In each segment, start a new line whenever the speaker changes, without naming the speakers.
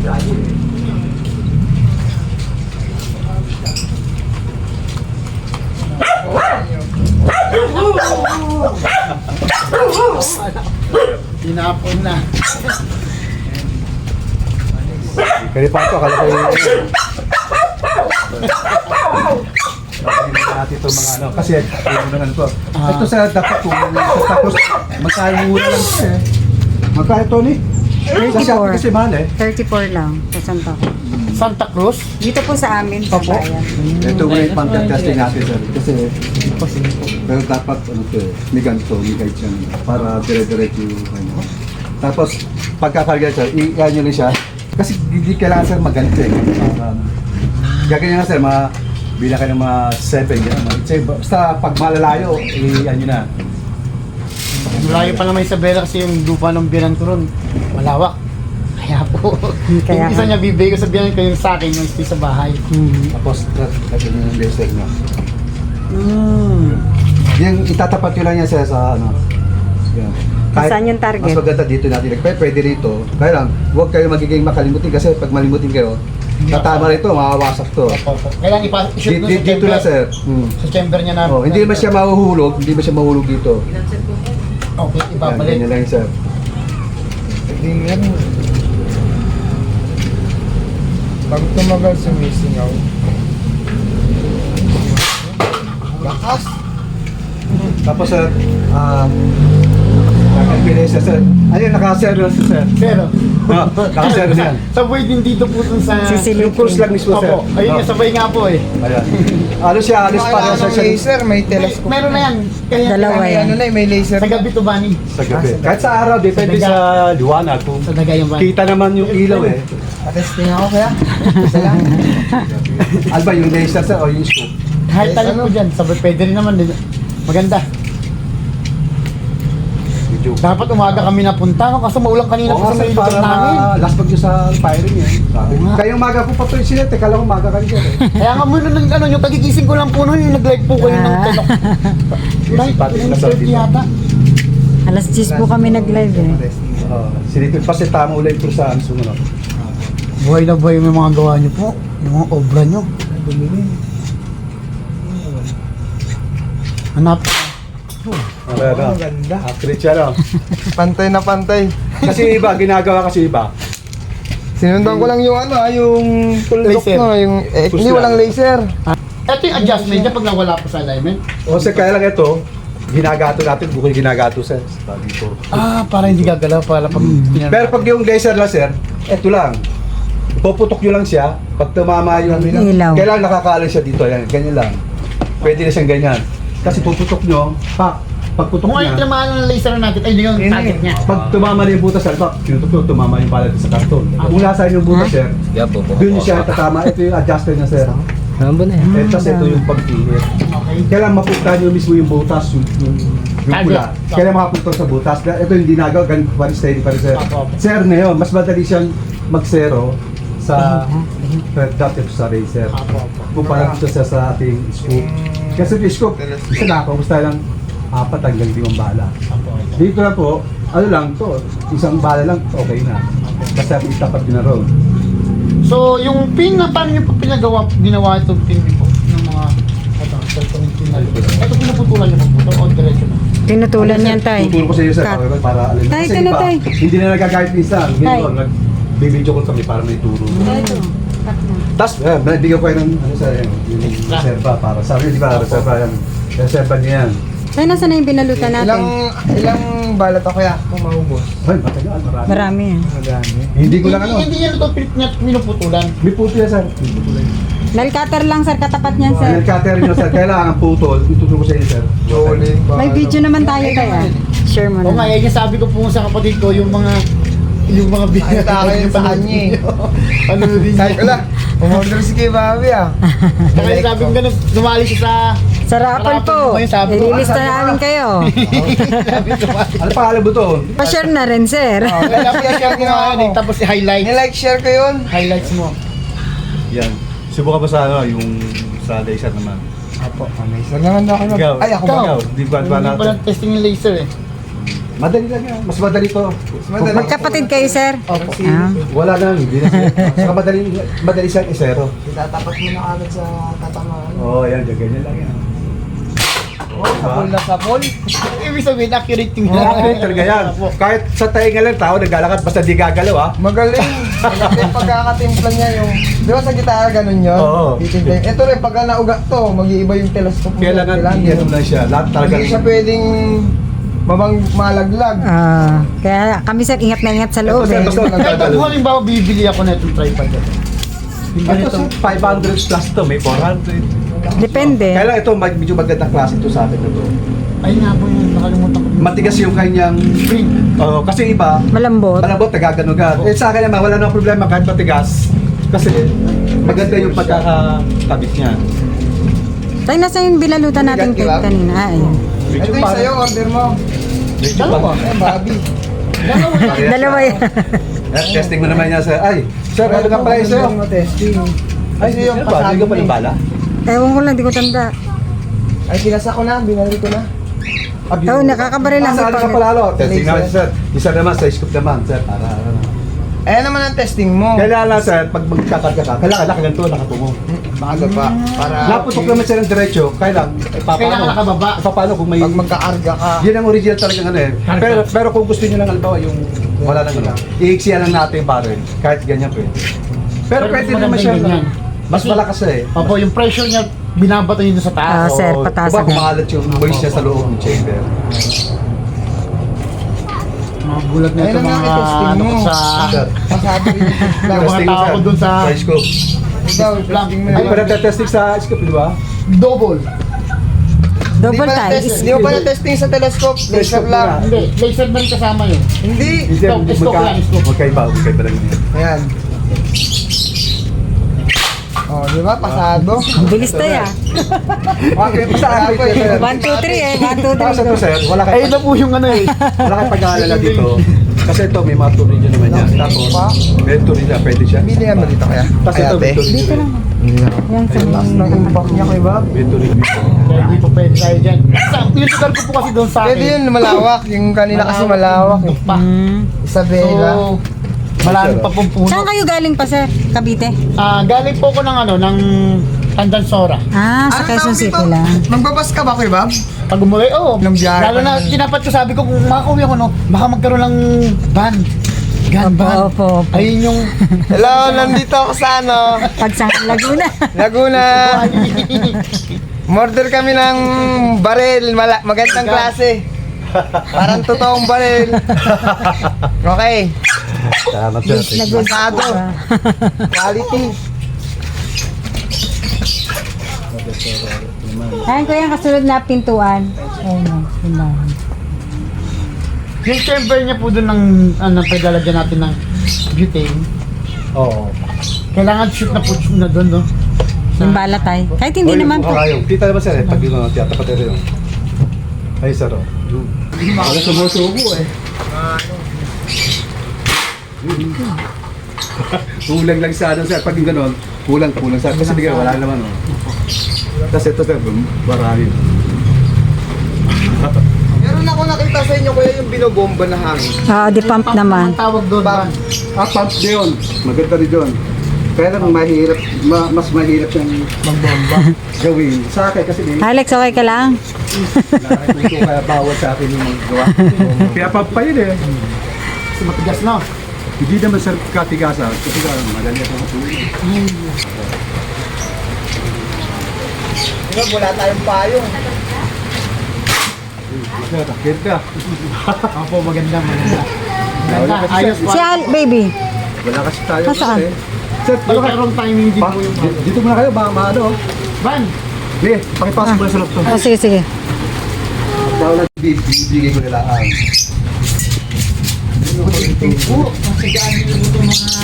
Tinapon na.
Kaya pa ito, akala ko yung natin itong mga ano, kasi ano na ito. Ito sa dapat kung tapos magkano mura lang ito eh. Magkano ito ni? Kasi
34.
kasi mahal eh.
34 lang sa Santa Cruz.
Santa Cruz?
Dito po sa amin, sa
Opo.
bayan.
Ito ngayon pang-testing natin sir. Kasi pero dapat ano to eh, may ganito, may guide siya para dire-diretso yung ano. Tapos pagkakarga sir, i-ano nyo lang siya. Kasi hindi kailangan sir maganito eh. Para, gagawin nga sir, bilang ka ng mga 7 gano'n. Basta pag malalayo, i-ano na.
Malayo pa naman Isabela kasi yung lupa ng biyanan ko ron. Malawak. Kaya po.
Kaya
yung isa niya bibigay ko sa biyanan ko yung sa akin, yung stay sa bahay.
Tapos, lagyan nyo yung laser nyo. Yung itatapat nyo lang yan sir sa ano. Yan.
Saan yung target?
Mas maganda dito natin. Pwede rito. Kaya lang, huwag kayo magiging makalimutin kasi pag malimutin kayo, tatama rito, mawawasak to.
Kailangan i-shoot
Dito, dito lang sir.
Sa chamber niya na.
Oh, hindi naman siya mahuhulog, hindi naman siya mahulog dito.
Okay,
Yan,
ibabalik.
ganyan lang sir.
Tingnan mo. Pag tumagal sumisingaw. Lakas.
Tapos sir, nakapilay siya sir. Ayun, naka-sir na siya sir.
Pero,
Naka-sir na yan.
sabay din dito po dun sa...
Sisilipin.
Yung cruise lang mismo sir.
Opo, ayun nga, sabay nga po eh.
Ayan. Alos siya, alos pa
Kailangan
siya
ng laser, may telescope.
Meron na yan. Kaya
Dalawa
May
yan.
ano na, may laser.
sa gabi to Bani.
sa gabi. Kahit sa araw, depende
Sa
sa liwanag. Kung
Sa daga yung Bani.
kita naman yung ilaw eh.
Testing ako kaya. Isa lang.
Alba, yung laser sir o yung scope.
Kahit tayo po dyan, sabay pwede rin naman din. Maganda.
Medyo.
Dapat umaga kami napunta, no? Kaso maulang kanina
Oo
po
nga
sa
sir,
may lugar
para
namin.
last pag sa firing eh. Sabi.
Oo nga.
Kayong maga po pa ito incident eh. Kala ko maga kayo sir eh.
Kaya nga muna ng ano, yung pagigising ko lang po noon, yung nag-live po kayo ng tenok. Right,
Pati
yung
na sa
30
dito.
yata.
Alas 10 po kami nag-live eh.
Silipin pa si tama ulit po sa ano sumunod.
Buhay na buhay yung mga gawa niyo po. Yung mga obra niyo. Hanap.
Ano,
ganda.
accurate siya no?
Pantay na pantay.
Kasi iba, ginagawa kasi iba.
Sinundan ko lang yung ano, yung tuldok
Laser.
no, yung
Push
hindi
lang.
walang laser.
Ito yung adjustment niya pag nawala po sa alignment.
O sa kaya lang ito, ginagato natin, bukod ginagato sir. Sabi ko.
Ah, para hindi gagalaw, para pag
Pero pag yung laser lang sir, ito lang. Puputok nyo lang siya, pag tumama yung
Ilaw.
kailangan nakakaalis siya dito, yan, ganyan lang. Pwede na siyang ganyan. Kasi puputok nyo, pagputok
kung ano yung
niya,
tinamaan ng laser natin, ay hindi yung target niya.
pag tumama na yung butas, alba, kinutok tumama yung palad sa karton. Kung nasa yung butas sir, doon siya tatama. Ito yung adjuster na sir. Eh, tapos ito yung pagpihit.
Okay.
Kailangan mapunta nyo mismo yung butas, yung pula. Kailangan makapunta sa butas. Ito yung ginagawa, ganun pa rin, steady pa rin sir. Sir na yun, mas madali siyang mag-zero sa red dot ito sa racer. Kumpara dito sa ating scoop. Kasi yung scoop, isa na ako, basta lang 4 hanggang 5 bala. Dito na po, ano lang to, isang bala lang, okay na. Basta itapat nyo na ron.
So, yung pin na paano nyo po ginawa itong pin po ng mga cellphone pin na ito pinuputulan nyo po o diretso na?
Tinutulan yan, tay.
Tuturo ko sa iyo sir,
Cut.
para alam.
Tay,
Kasi
ito na,
iba,
tay.
hindi na nagkakahit minsan. Ngayon, nagbibideo ko kami para may turo.
Ito.
Tapos, nabigyan ko kayo ng ano sa yung reserva para sabi niyo, di ba, reserva yan. Reserva niya yan.
Tay, nasa na yung binalutan natin?
Ilang balat ako kaya kung maubos?
Ay, matagal, marami.
Marami yan.
Madami.
Hindi ko lang ano.
Hindi yan ito pinuputulan.
May puto yan, sir. May puto lang.
Nail cutter lang, sir. Katapat niyan, sir.
Yung cutter nyo, sir. Kailangan putol. Ituturo ko sa inyo, sir.
Jolly.
May video naman tayo, tay. Share mo
O nga,
na.
yan yung sabi ko po sa kapatid ko, yung mga
Ay, taka yun sa kanya eh.
Ano din
Sabi ko lang, umorder si Kay Bobby ah.
Kaya sabi ko ganun, dumali siya sa...
Sa raffle po.
Ayun, sabi ko.
Ililista namin kayo.
Sabi ko,
Ano pa alam mo to?
Pa-share na rin, sir.
kaya share ko nga yun eh, tapos i-highlight.
Nilike share ko yun.
Highlights mo.
Yan. Subukan ba sa ano, yung sa laser naman?
Apo, laser naman ako.
Ikaw.
Ay, ako ba?
Ikaw. Di ba
Hindi pa
natin?
lang testing yung laser eh.
Madali lang yan. Mas madali to.
madali.
Magkapatid kayo, sir?
Opo.
Ah.
Wala na, hindi na siya. Saka madali siyang isero.
Itatapat mo na agad sa tatamaan.
Oo, yan. Ganyan lang yan.
Sapol na sapol.
Ibig sabihin, accurate yung
Okay, talaga yan. Kahit sa tainga lang tao, naglalakad basta di gagalaw ha.
Magaling. Magaling pagkakatimpla niya yung... Di ba sa gitara ganun yun?
Oo.
Titimpla yun. Ito rin, pagka naugat to, mag-iiba yung telescope mo.
Kailangan yan lang siya. Lahat talaga.
Hindi siya pwedeng malaglag.
Kaya kami, sir, ingat na ingat sa loob,
Ito,
eh.
sir,
Kahit kung halimbawa bibili ako na itong tripod. Yung
Ito
ganito.
sir, 500 plus to, may 400.
Depende.
Kaya lang ito, medyo magandang klase ito sa akin na to.
Ay nga po yung nakalimutan ko.
Matigas yung kanyang
Spring.
kasi iba,
Malambot.
malambot, nagaganugan. Eh sa akin naman, wala nang problema kahit matigas. Kasi maganda yung pagkakakabit niya.
Tayo, nasa yung bilalutan natin
Bigat, di ba?
kanina. Ah, ayun.
Ito yung sa'yo, order mo.
Medyo
Dalawa.
Eh, Bobby.
Dalawa yan.
Testing mo naman niya sir. Ay, sir, ano nga pala yung sa'yo?
Order mo, testing.
Ay,
Kasi yung
sino ba? Hindi
pasado
ka pa
mo
ng
eh.
bala?
Ewan ko lang, di ko tanda.
Ay, kinasa ko na, binali ko na.
Oo, nakakabaril lang.
Saan ka pala, alo? Testing naman sir. Isa naman, sa scoop naman, sir. Para ano.
Ayan naman ang testing mo.
Kailangan lang, sir, pag magkakarga ka, kailangan nakaganto, nakatungo.
Maaga pa. Para
Naputok naman siya ng diretso, kailangan,
Kailangan nakababa.
paano kung may...
pag magkakarga ka.
Yan ang original talagang ano eh. Pero kung gusto niyo lang halimbawa yung wala nang ano, iiksiyan lang natin yung barrel. Kahit ganyan pwede. Pero
Pero
pwede
mas
naman siya.
maganda ganyan.
Mas malakas siya eh.
Opo, yung pressure niya, binabato yun sa
Ah,
taas.
sir,
Oo,
pataas
diba,
agad.
kumakalat yung moist niya sa loob ng chamber.
Mga gulat na
Ayun
ito
ang
mga
nga i-testing
ano
mo.
ko sa...
Sir,
Pasado rin yung
Yung
lang.
mga
testing mo,
tao
sir.
ko dun sa-
Sa scope.
Ikaw, testing mo
Ay,
na.
pala testing sa scope, di ba?
Double.
Double tie.
Hindi mo pa na-testing sa telescope. Laser
Telescope
lang.
na.
Hindi, laser na rin kasama yun.
Hindi.
Scope lang, scope.
Magkaiba lang yun.
Ayan. Oh, di ba? Pasado.
Ang bilis tayo, ah.
Okay, basta
Wala pa eh.
1, 2, 3, eh. 1, 2,
Para sa
3.
to, sir, wala
Ay,
kayo
na po yung ano eh.
wala kayong pag-aalala dito. Kasi ito, may mga turin nyo naman yan. Tapos, may turin na, pwede siya.
Bili mo dito kaya.
Tapos ito, may turin
Dito
nyo.
lang. Yan, sir.
Taas ng impact niya kay Bob.
May turin nyo.
Kaya hindi po pwede tayo dyan. Yung lugar ko po kasi doon sa akin.
Pwede yun, malawak. Yung kanina kasi malawak eh.
Pa.
Isabela.
So, malalim pa pong puno.
Saan kayo galing pa, sir? Cavite?
Galing po ako ng ano, ng Tandansora.
Ah, sa Quezon City lang.
Magbabas ka ba kay Bob?
Pag umuwi,
Nang biyahe
lalo
pa
na,
naman.
tinapat ko, sabi ko, kung makakuwi ako, no, baka magkaroon ng van. Gun van.
Opo, opo.
Ayun yung...
Hello, nandito ako sa ano,
Pagsang Laguna.
Laguna. Murder kami ng baril, magandang klase. Parang totoong baril. Okay,
Salamat sir.
Nag-good.
pasado. Quality.
Ayan ko yung kasunod na pintuan. Ayun o, pintuan.
Yung chamber niya po doon ng, paglalagyan natin ng butane.
Oo.
Kailangan shoot na po na doon, no?
Yung bala tayo. Kahit hindi naman po.
Kita naman sir, pag yun, tiyatapat rin yun. Ay, sir, oh. Wala sumusubo eh. Kulang lang sa ano, sir. Pag yung ganon, kulang sa. Kasi di ka, wala naman, oh. Tapos ito, sir, marami.
Meron ako nakita sa inyo kuya yung binobomba na hangin.
Di pump naman.
Ang tawag doon, van.
Pump din. Maganda rin yun. Kaya lang mahirap, mas mahirap siyang magbomba gawin. Sa akin kasi
Alex, okay ka lang?
kaya bawal sa akin yung magawa. Kaya pump pa yun eh.
Kasi matigas, no?
Hindi naman sir katigasan. Kasi madali ako matulog.
Diba, wala tayong payong.
Sir, takit ka.
Opo, maganda.
Wala kasi,
Ayos
Si
pa.
baby.
Wala kasi tayo.
Nasaan?
kasi. Sir,
Pero mayroong timing din po yung van.
dito muna kayo, maano.
Van!
Be, pakipasok mo na sa loob to.
Sige, sige.
Daw na bibigay ko nila ang.
Po, kasi gaano yung ito mga...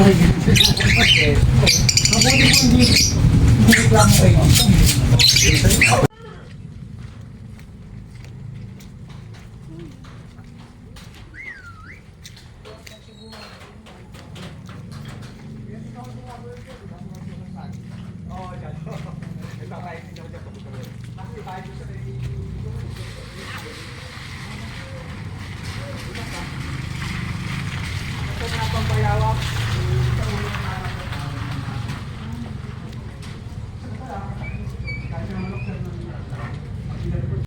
Mabuti po hindi reklamo kayo.
hawak.